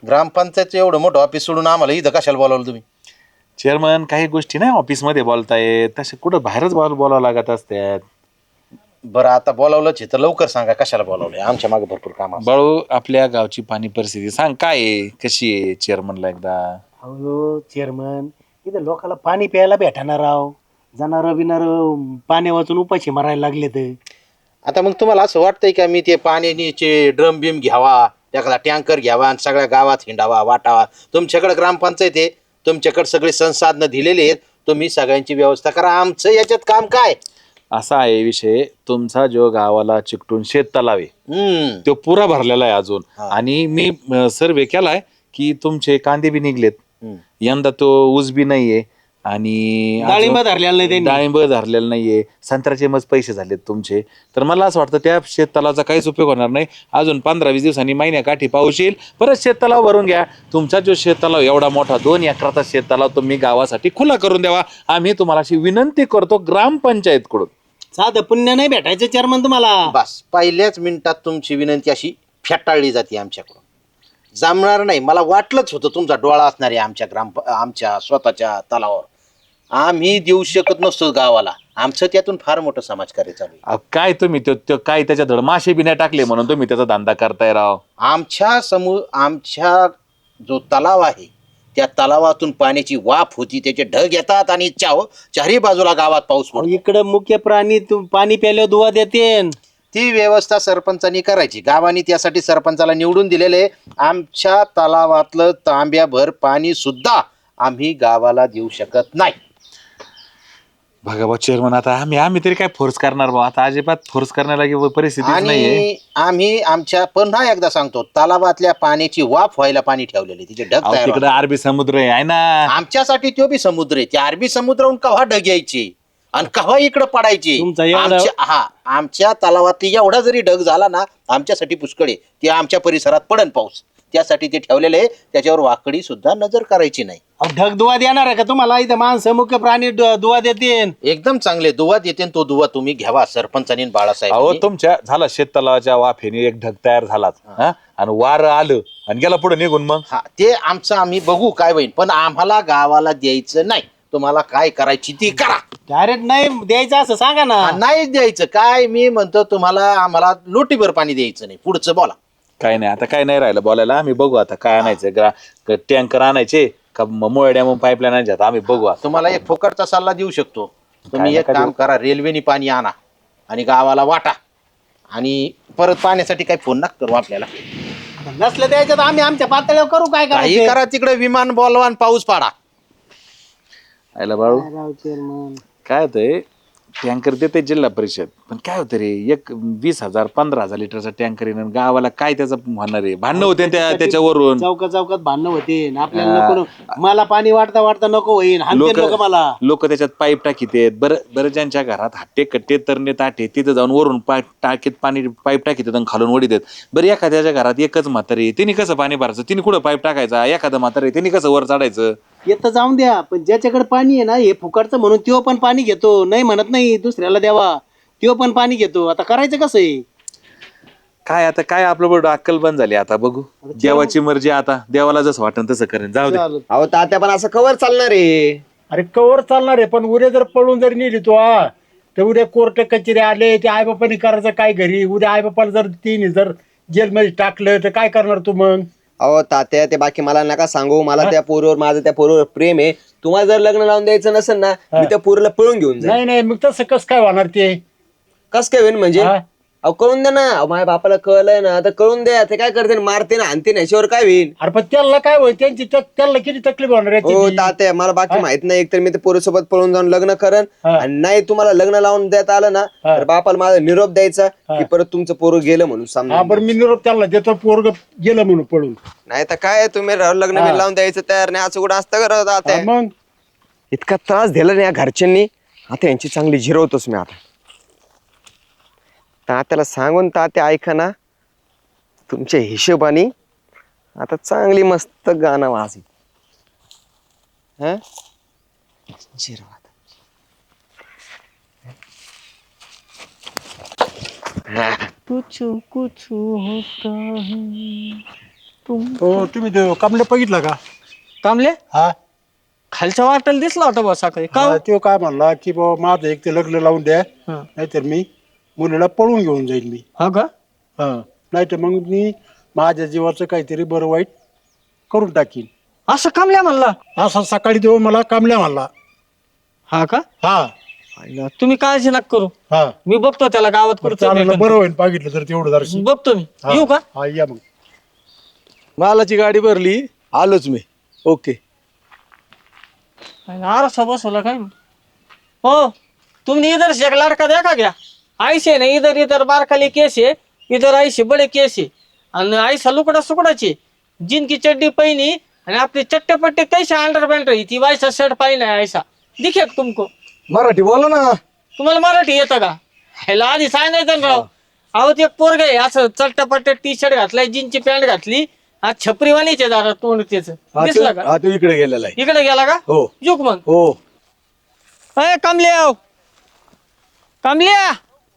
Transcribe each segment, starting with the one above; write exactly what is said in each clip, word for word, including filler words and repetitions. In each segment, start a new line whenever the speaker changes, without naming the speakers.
ग्रामपंचायतचं एवढं मोठं ऑफिस सोडून आम्हाला इथं कशाला बोलावलं तुम्ही?
चेअरमन काही गोष्टी नाही ऑफिसमध्ये बोलतायत तसे कुठं बाहेरच बोल बोलावं लागत असतात.
बरं आता बोलावलंच आहे तर लवकर सांगा कशाला बोलावलंय. आमच्या मागे भरपूर काम असतं.
बाळू आपल्या गावची पाणी परिस्थिती सांग काय आहे कशी आहे चेअरमनला एकदा.
अहो चेअरमन इथं लोकांना पाणी प्यायला भेटणार राव. जाणार बिनार पाणी वाचून उपाशी मारायला लागले तर.
आता मग तुम्हाला असं वाटतंय का मी ते पाण्याचे ड्रम बिम घ्यावा, एखादा टँकर घ्यावा आणि सगळ्या गावात हिंडावा वाटावा? तुमच्याकडे ग्रामपंचायत आहे, तुमच्याकडे सगळी संसाधनं दिलेली आहेत, तुम्ही सगळ्यांची व्यवस्था करा. आमचं याच्यात काम काय?
असा आहे विषय तुमचा जो गावाला चिकटून शेत तलाव आहे
हम्म
तो पुरा भरलेला आहे अजून.
हा.
आणि मी सर्वे केलाय की तुमचे कांदे बी निघलेत
हम्म.
यंदा तो ऊस बी नाहीये आणि
डाळिंब
अजून
धरलेलं नाही त्यांनी.
डाळिंब धरलेलं नाहीये, संत्र्याचे मग पैसे झालेत तुमचे. तर मला असं वाटतं त्या शेततलावाचा काहीच उपयोग होणार नाही. अजून पंधरा वीस दिवसांनी महिन्या काठी पाऊस येईल परत शेततलाव भरून घ्या. तुमचा जो शेततलाव एवढा मोठा दोन एकराचा शेततलाव तुम्ही गावासाठी खुला करून द्यावा आम्ही तुम्हाला अशी विनंती करतो ग्रामपंचायतकडून.
साधं पुण्य नाही भेटायचं चेअरमन तुम्हाला.
बस पहिल्याच मिनिटात तुमची विनंती अशी फेटाळली जाते आमच्याकडून. जमणार नाही. मला वाटलंच होतं तुमचा डोळा असणार आहे आमच्या ग्राम आमच्या स्वतःच्या तलावावर. आम्ही देऊ शकत नसतो गावाला. आमचं त्यातून फार मोठं समाजकार्य चालू आहे.
अहो, काय तुम्ही त्यो त्यो काय त्याच्या धड मासे बी नाही टाकले म्हणून तुम्ही त्याचा धंदा करताय राव.
आमच्या समूह आमच्या जो तलाव आहे त्या तलावातून पाण्याची वाफ होती, त्याचे ढग येतात आणि चाव चारही बाजूला गावात पाऊस पडतो.
इकडं मुख्य प्राणी तू पाणी प्यायल्यावर दुवा देते.
ती व्यवस्था सरपंचांनी करायची. गावानी त्यासाठी सरपंचाला निवडून दिलेले. आमच्या तलावातलं तांब्याभर पाणी सुद्धा आम्ही गावाला देऊ शकत नाही.
बघा बा चेअरमन आता आम्ही आम्ही तरी काय फोर्स करणार बा. आता अजिबात फोर्स करण्याला परिस्थितीच नाहीये.
आणि आम्ही आमच्या पुन्हा एकदा सांगतो, तलावातल्या पाण्याची वाफ व्हायला पाणी ठेवलेले, तिचे ढग
अहो,
तयार
तिकडे
होतात.
अरबी समुद्र आहे आहे ना.
आमच्यासाठी तो बी समुद्र आहे. त्या अरबी समुद्राहून कव्हा ढग यायचे आणि कव्हा इकडे पडायचे.
तुमचा एवढा-
आमच्या हा आमच्या तलावातली एवढा जरी ढग झाला ना आमच्यासाठी पुष्कळ आहे. ते आमच्या परिसरात पडन पाऊस, त्यासाठी ते ठेवलेले आहे. त्याच्यावर वाकडी सुद्धा नजर करायची नाही.
अहो, ढग दुवा देणार आहे का तुम्हाला? इथं माणसं मुख्य प्राणी ड- दुवा देते.
एकदम चांगले दुवा देते. तो दुवा तुम्ही घ्यावा सरपंचानी आणि
अहो
बाळासाहेब.
तुमच्या झाला शेततलावाच्या वाफेने एक ढग तयार झालाच हा आणि वार आलं आणि गेला पुढे निघून मग.
हा ते आमचं आम्ही बघू काय होईल, पण आम्हाला गावाला द्यायचं नाही. तुम्हाला काय करायची ती करा.
डायरेक्ट नाही द्यायचं असं सांगा ना.
हा, नाही द्यायचं काय. मी म्हणतो तुम्हाला आम्हाला लोटीभर पाणी द्यायचं नाही. पुढचं बोला.
काय नाही आता काय नाही राहिलं बोलायला. आम्ही बघू आता काय आणायचं ग्रा टँकर आणायचे का मोळड्या मग पाईपलाईन आणायच्या आता आम्ही बघू आता.
तुम्हाला एक फुकटचा सल्ला देऊ शकतो. तुम्ही
काय
एक
नका
काम
देऊ.
करा, रेल्वेने पाणी आणा आणि गावाला वाटा आणि परत पाण्यासाठी काही फोन नका करू आपल्याला.
नसलं द्यायचं तर आम्ही आमच्या पातळीवर करू. काय
काही
करायचं?
करा तिकडे विमान बोलवा आणि पाऊस पाडा.
आयला बाळू
राव चेअरमन.
काय होतंय टँकर देते जिल्हा परिषद पण काय होतं रे एक वीस हजार पंधरा हजार लिटरचा टँकर येणं गावाला काय त्याचं होणार आहे. भांडणं होते त्या त्याच्यावरून.
चौकात चौकात भांडणं होते. आपल्याला नको न- मला पाणी वाटता वाटता नको होईल.
लोक
हाणते लोक मला.
लोक त्याच्यात पाईप टाकीत आहेत. बरं बरं ज्यांच्या घरात हट्टे कट्टे तरणे ताटे तिथे जाऊन वरून पा टाकीत पाणी पाईप टाकीत आणि खालून ओढीत आहेत. बरं एखाद्याच्या घरात एकच म्हातारी तिने कसं पाणी भरायचं, तिने कुठं पाईप टाकायचा. एखादं म्हातारी तिने कसं वर चढायचं.
येतं जाऊन द्या, पण ज्याच्याकडे पाणी आहे ना हे फुकटचं म्हणून तो पण पाणी घेतो. नाही म्हणत नाही दुसऱ्याला द्यावा, तो पण पाणी घेतो. आता करायचं कसं आहे?
काय आता काय आपलं बरोबर अक्कल बंद झाली. आता बघू देवाची मर्जी. आता देवाला जसं वाटन तसं करेन. जाऊ दे.
अहो तात्या पण असं कवर चालणार आहे.
अरे कवर चालणार आहे, पण उद्या जर पळून जर नेली तो हा तर उद्या कोर्ट कचेरी आले ते आईबापाने करायचं काय घरी. उद्या आईबापाला जर तिने जर जेलमध्ये टाकलं तर काय करणार तू मग?
अहो तात्या ते बाकी मला नका सांगू. मला त्या पोरीवर माझं त्या पोरीवर प्रेम आहे. तुम्हाला जर लग्न लावून द्यायचं नसेल ना मी त्या पोरीला पळून घेऊन जाईल.
नाही नाही मग तसं कसं काय होणार ते?
कस काय होईल म्हणजे?
हा?
अहो कळून द्या ना. अहो, माझ्या बापाला कळलंय ना आता कळून द्या. ते काय करते मारते ना आणते ना याच्यावर काय होईल?
अरे पण त्याला काय होईल? त्यांची त्या- त्याला किती तकलीफ होणार आहे
हो
त्याची?
तात्या मला बाकी माहित नाही. एकतर मी त्या पोरीसोबत पळून जाऊन लग्न करन
हा.
आणि नाही तुम्हाला लग्न लावून देता आलं ना
हा.
तर बापाला माझा निरोप द्यायचा की परत तुमचं पोरं गेलं म्हणून
हा
समजा.
बरं मी निरोप त्याला देतो. पोरग गेलं म्हणून पळून.
नाही तर काय तुम्ही लग्न
हा.
बिन लावून द्यायचं तयार नाही. असं कुठं असतं करत
हा,
तात्या.
मग
इतका त्रास दिला ना या घरच्यांनी. आता यांची चांगली जिरवतोच मी आता. तात्याला सांगून तात्या ऐका ना तुमच्या हिशोबाने आता चांगली मस्त गाणं वाजवी. हं? जिरव आता.
कुछ कुछ होता है
हो तुम्ही ते कमले बघितला का?
कामले
हा
खालच्या वाटेला दिसला होता बा सकाळी का
हा, तो काय म्हणला की बाबा माझं एक ते लग्न लावून द्या, नाहीतर मी मुलीला पळून घेऊन जाईल मी.
हा का
हा नाहीतर मग मी माझ्या जीवाचं काहीतरी बरं वाईट करून टाकीन.
असं कामल्या म्हणला
असा सकाळी तो मला कामल्या म्हणला.
हा का
हा
आईला, तुम्ही काळजी नका करू
हा
मी बघतो त्याला गावात कुठं
चालेल, बरं होईल पाहिलं तर तेवढं जराशी.
बघतो मी
हा.
येऊ का
हा या मग.
मालाची गाडी भरली, आलोच मी. ओके.
आरसा बसवला काय हो तुमने इधर से एक लड़का देखा क्या ऐसे ना इधर इधर बार खाली केस है इधर ऐसे बड़े केस है और ऐसा लुकड़ा सुकड़ा चे जिनकी चड्डी पहनी और आपने चट्टे पट्टे कैसे अंडर पैंट रही थी वैसा शर्ट पहना है ऐसा दिखे का तुमको
मराठी बोला ना.
तुम्हाला मराठी येतं का ह्याला आधी सांगायचं ना राव अहो ते एक पोरग आहे असं चट्टापट्टे टी शर्ट घातलाय जीनची पॅन्ट घातली आज छपरीवाणीचे जरा तोंड त्याच
हा,
दिसला
तो-
का
हा, तो इकडे गेलेला आहे.
इकडे गेला का
हो
जुक मग
हो.
अय कमल्या कमल्या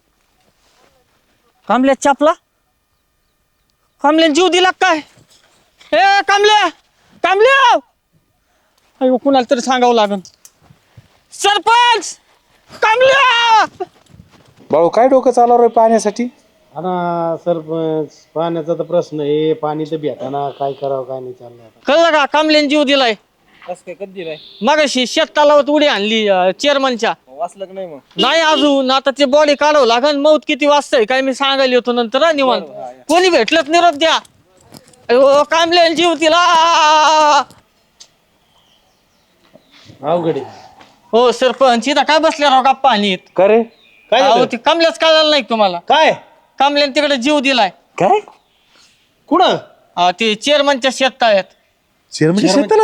कमल्या चापला कमल्या जीव दिला काय ए कमल्या कमल्या अयो कुणाला तरी सांगावं लागन सरपंच कमल्या
बाळू काय डोकं चालवलं रे पाण्यासाठी?
हा ना सरपंच पाण्याचा तर प्रश्न आहे, पाणी तर भेटाना, काय करावं काय नाही चाललं आता.
कळलं का कामल्यान जीव दिलाय मगाशी शेत तलावात उडी आणली चेअरमनच्या नाही अजून आता ते बॉडी काढावं लागन मौत किती वाजताय काय मी सांगायला येतो नंतर हा, निवांत कोणी भेटलंच निरोप द्या अयो कामल्यान जीव दिला
अवघड आहे.
हो सरपंच इथं काय बसल्या राव गप्पा आणि
का रे?
काय
अहो
झालं?
ते कमल्याच कळालं नाही का तुम्हाला
काय
कमल्यान तिकडे जीव दिलाय
काय
कुठं
अहो, ते चेअरमनच्या शेताळ्यात
चेअरमन शेताला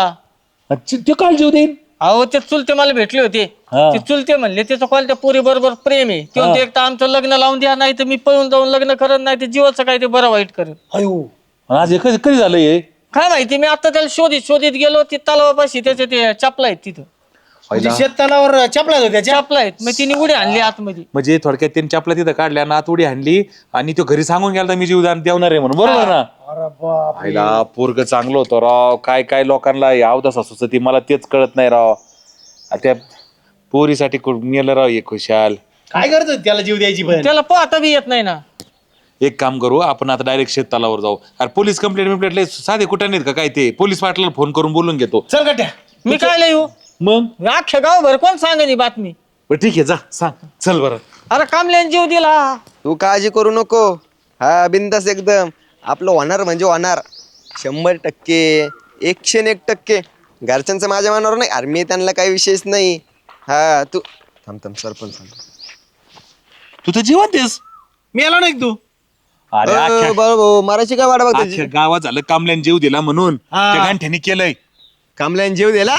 हा
ते काल जीव देईन.
अहो ते चुलते मला भेटले होते
हा.
ते चुलते म्हणले त्याचं कॉल त्या पोरी बरोबर प्रेम आहे ते म्हणते एक तर आमचं लग्न लावून द्या नाही तर मी पळून जाऊन लग्न करत नाही ते जीवाचं काय ते बरं वाईट करेल
अयो
आज हे कधी कधी झालं हे?
काय माहिती मी आता त्याला शोधित शोधित गेलो ते तलावापाशी त्याचे ते चपला आहेत तिथं
म्हणजे शेततलावर चपला होत्या त्या.
चपला आहेत मग तिने उडी आणली आतमध्ये
म्हणजे थोडक्यात त्यांनी आपल्या तिथं काढल्या नात उडी हाणली आणि तो घरी सांगून गेला मी जीवदान देवणार आहे म्हणून बरोबर ना.
अरे बाप.
आईला पोरग चांगलं होतं राव काय काय लोकांना अवदासा सुचती मला तेच कळत नाही राव. आ त्या पोरीसाठी मेलं राव एक खुशाल.
काय करतो त्याला जीव द्यायची पण
त्याला पोहता बी येत नाही ना
एक काम करू आपण आता डायरेक्ट शेततलावर जाऊ. अरे पोलीस कंप्लेंट बिम्प्लेट लय साधे कुठे नाहीत का काय ते पोलीस पाटलाला फोन करून बोलून घेतो.
चल गट्या
मी काय येऊ
मग
अख्ख्या गावभर कोण सांगेन बातमी
बरं ठीक आहे जा सांग चल बरं.
अरे कामल्यान जीव दिला
तू काळजी करू नको. हा बिंदास एकदम आपलं होणार म्हणजे होणार शंभर टक्के एकशे एक टक्के. घरच्यांचं माझ्या मनावर नाही अरे मी त्यांना काही विशेष नाही. हा तू थांब थांब सरपंच थांब.
तू तर जिवंत आहेस.
मी आलो नाही तू
अरे अख्ख्या
अ, बरं भाऊ मारायची काय वाट बघतो
अख्ख्या गावात झालं कामल्यान जीव दिला म्हणून त्या गांठ्याने केलंय.
कामल्यान जीव दिला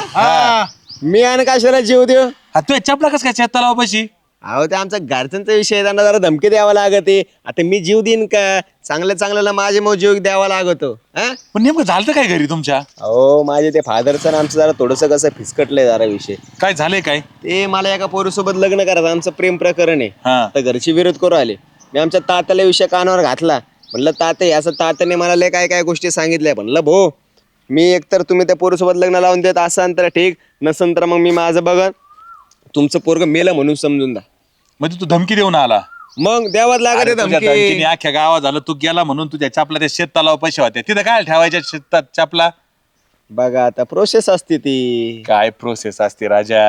मी आणि काश्मीरात जीव देऊ.
हा तू चपला कस काय शेततलावापाशी?
अहो ते आमचा घरच्यांचा विषय आहे, त्यांना जरा धमकी द्यावा लागते. आता मी जीव देईन का चांगल्या चांगल्याला माझे मग जीव द्यावा लागतो. हा
पण नेमकं झालं काय घरी तुमच्या?
अहो माझे ते फादरचं आणि आमचं जरा थोडंसं कसं फिसकटलंय जरा विषय.
काय झालंय काय?
ते मला एका पोरीसोबत लग्न करायचं आमचं प्रेम प्रकरण आहे.
हा
तर घरचे विरोध करू आले. मी आमच्या तात्याला विषय कानावर घातला. म्हणलं तात्या असं तात्याने मला लय काय काय गोष्टी सांगितल्या. म्हणलं भो मी एकतर तुम्ही त्या पोरीसोबत लग्न लावून देत असाल तर ठीक नसन तर मग मी माझं बघन तुमचं पोरग मेलं म्हणून समजून द्या.
म्हणजे तू धमकी देऊन आला?
मग द्यावाच लागत
अरे
आहे
तुझ्या
धमकी.
धमकीने अख्ख्या गावात झालं तू गेला म्हणून तुझ्या चपला त्या शेततलावा पैसे होत्या तिथं काय ठेवायच्या शेतात चपला?
बघा आता प्रोसेस असते ती.
काय प्रोसेस असते राजा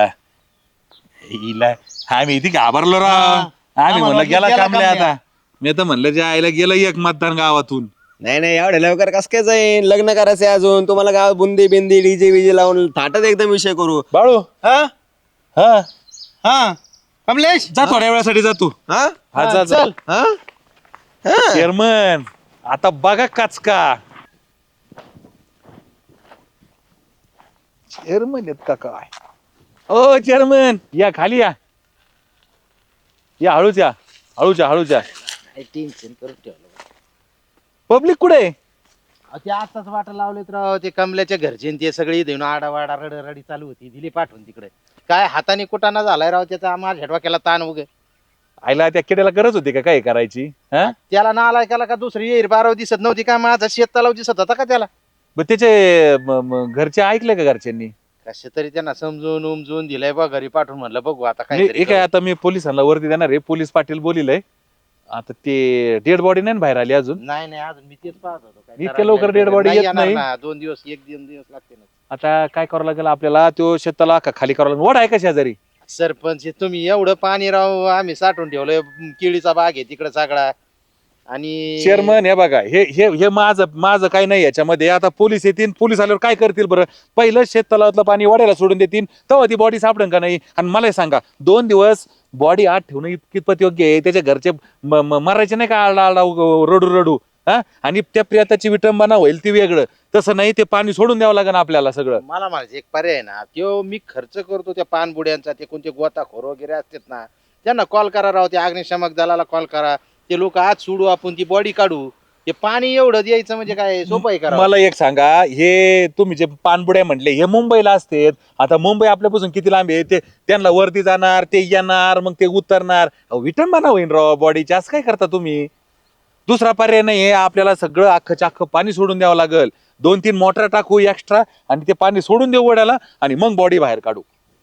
हिला आम्ही इथे घाबरलो राव. आम्ही म्हणलं गेला कामल्या आता. मी तर म्हणलं जे आईला गेलं एक मतदान गावातून.
नाही नाही एवढ्या लवकर कसं काय जाईन लग्न करायचंय अजून तुम्हाला गावात बुंदी बिंदी डीजे विजे लावून थाटात एकदम विषय करू.
बाळू
हा
हा
हा कमलेश
जा थोड्या वेळासाठी जा तू.
हा
हा जा जा.
चल
हा हा
चेअरमन आता बघा काचका चेअरमन आहेत का काय? ओ चेअरमन या खाली या या हळूच या हळूच या हळूच या.
टेन्शन करून ठेवलं
पब्लिक कुठे आहे?
अहो, ते आताच वाटा लावलेत राव ते कमल्याच्या घरचे न ते सगळे देऊन आडावाडा रडरडी चालू होती दिली पाठवून तिकडे काय हाताने कुटाणा झालाय राव त्याचा माझ्या डोक्याला ताण उगे
आईला त्या किड्याला गरज होती का काय करायची? हा
त्याला नालायकाला का दुसरी येईल बाराव दिसत नव्हती का? माझा शेत तलाव दिसत होता का त्याला?
मग त्याचे म- म- घरचे ऐकले का घरच्यांनी?
कसे तरी त्यांना समजून उमजून दिलंय बा, घरी पाठवून म्हणलं बघू आता
नाही,
काय
हे काय आता मी पोलिसांना वरती देणार आहे. पोलीस पाटील बोलिलंय आता ते डेड बॉडी नाही ना बाहेर आली अजून.
नाही नाही अजून मी तेच पाहत होतो काय
इतक्या
करायला
लवकर
नाही.
dead body
नाही
येत
येणार
नाही.
ना, दोन दिवस एक दोन दिवस लागते ना.
आता काय करावं लागेल आपल्याला? तो शेताला का खाली करावं लागेल? वड आहे का शेजारी?
सरपंच हे तुम्ही एवढं पाणी राव आम्ही साठवून ठेवलंय, केळीचा बाग आहे तिकडे सगळा. आणि
चेअरमन हे बघा, हे हे हे माझं माझं काही नाही याच्यामध्ये. आता पोलीस येतील, पोलीस आल्यावर काय करतील बरं? पहिलं शेत तलावातलं पाणी वाड्याला सोडून देतील, तेव्हा ती बॉडी सापडेल का नाही? आणि मला हे सांगा, दोन दिवस बॉडी आत ठेवणं इतकितपत योग्य आहे? त्याच्या घरचे म- म- मरायचे नाही का आरडा आरडा उग- रडू रडू? हा आणि त्या प्रियताची विटंबना होईल ती वेगळं. तसं नाही, ते पाणी सोडून द्यावं लागेल आपल्याला सगळं.
मला म्हणायचं एक पर्याय ना, त्यो मी खर्च करतो त्या पानबुड्यांचा, ते कोणते गोताखोर वगैरे असतात ना, त्यांना कॉल करा राव, त्या अग्निशामक दलाला कॉल करा, ते लोक आज सोडू, आपण ती बॉडी काढू. ते पाणी एवढं द्यायचं म्हणजे काय सोपं आहे करा?
मला एक सांगा, हे तुम्ही जे पानबुड्या म्हटले हे मुंबईला असते. आता मुंबई आपल्यापासून किती लांब आहे? ते त्यांना वरती जाणार, ते येणार, मग ते उतरणार. अहो, विटंबना होईन राव बॉडीची. असं काय करता तुम्ही? दुसरा पर्याय नाही, आपल्याला सगळं अख्खच्या अख्खं पाणी सोडून द्यावं लागेल. दोन तीन मोटर टाकू एक्स्ट्रा आणि ते पाणी सोडून देऊ वड्याला आणि मग बॉडी बाहेर काढू.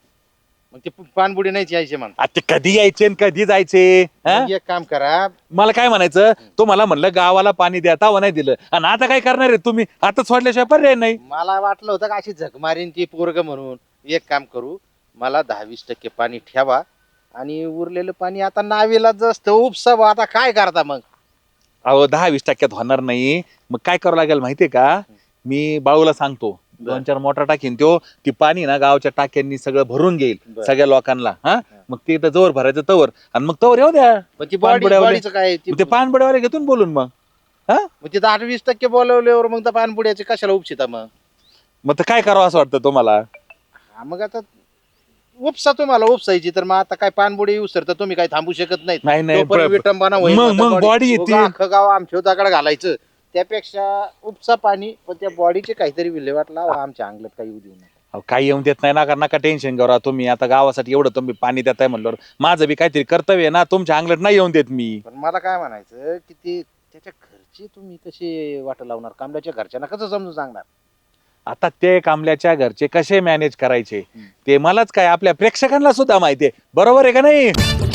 मग ते पानबुडी नाहीच यायचे म्हणतात.
आता ते कधी यायचे आणि कधी जायचे? हा?
मग एक काम करा,
मला काय म्हणायचं, तुम्हाला म्हणलं गावाला पाणी द्या, तावा नाही दिलं, आणि आता काय करणार आहे तुम्ही? आता सोडल्याशिवाय पर्याय नाही.
मला वाटलं होतं का अशी झक मारीन ती पोरग म्हणून. एक काम करू, मला दहा वीस टक्के पाणी ठेवा आणि उरलेलं पाणी आता नावेला जस्त उपसावं. आता काय करता मग?
अहो, दहा वीस टक्क्यात होणार नाही. मग काय करावं लागेल माहितीये का? मी बाळूला सांगतो, दोन चार मोटर टाकीन, त्यो ती पाणी ना गावच्या टाक्यांनी सगळं भरून घेईल
बरं.
सगळ्या लोकांना. हा मग ते इथं जवळ भरायचं तवर, आणि मग तवर येऊ द्या
पण ती बॉडी
पानबुड्यावाले.
बॉडीचं काय ती-
मग ते पानबड्यावाले घेतून बोलून मग. हा
मग ते दहा वीस टक्के बोलवल्यावर मग त्या पानबुड्याचे कशाला उपशिता मग?
मग तर काय करावं असं वाटतं तुम्हाला?
हा, मग आता उपसा तुम्हाला उपसायची, तर मग आता काय पानबुडी येऊ तर तुम्ही काय थांबू शकत नाहीत.
नाही नाही
तोपर्यंत
प्र-
विटंबना होईल.
मग-
आता
मग
body-
body येते.
उगा अख्खं गाव आमच्या दगड घालायचं त्यापेक्षा उपसा पाणी, पण त्या बॉडीचे काहीतरी विल्हेवाट लावा. आमच्या अंगलट काही येऊ देऊ नका.
अहो, काही येऊन देत नाही ना, कारण नका टेन्शन घेऊ राव तुम्ही. आता गावासाठी एवढं तुम्ही पाणी देताय म्हणल्यावर माझं बी काहीतरी कर्तव्य आहे ना. तुमच्या अंगलट नाही येऊन देत मी.
पण मला काय म्हणायचं की ते त्याच्या घरचे तुम्ही कसे वाट लावणार? कांबल्याच्या घरच्यांना कसं समजून सांगणार?
आता ते कांबल्याच्या घरचे कसे मॅनेज करायचे ते मलाच काय, आपल्या प्रेक्षकांना सुद्धा माहितीये. बरोबर आहे का नाही?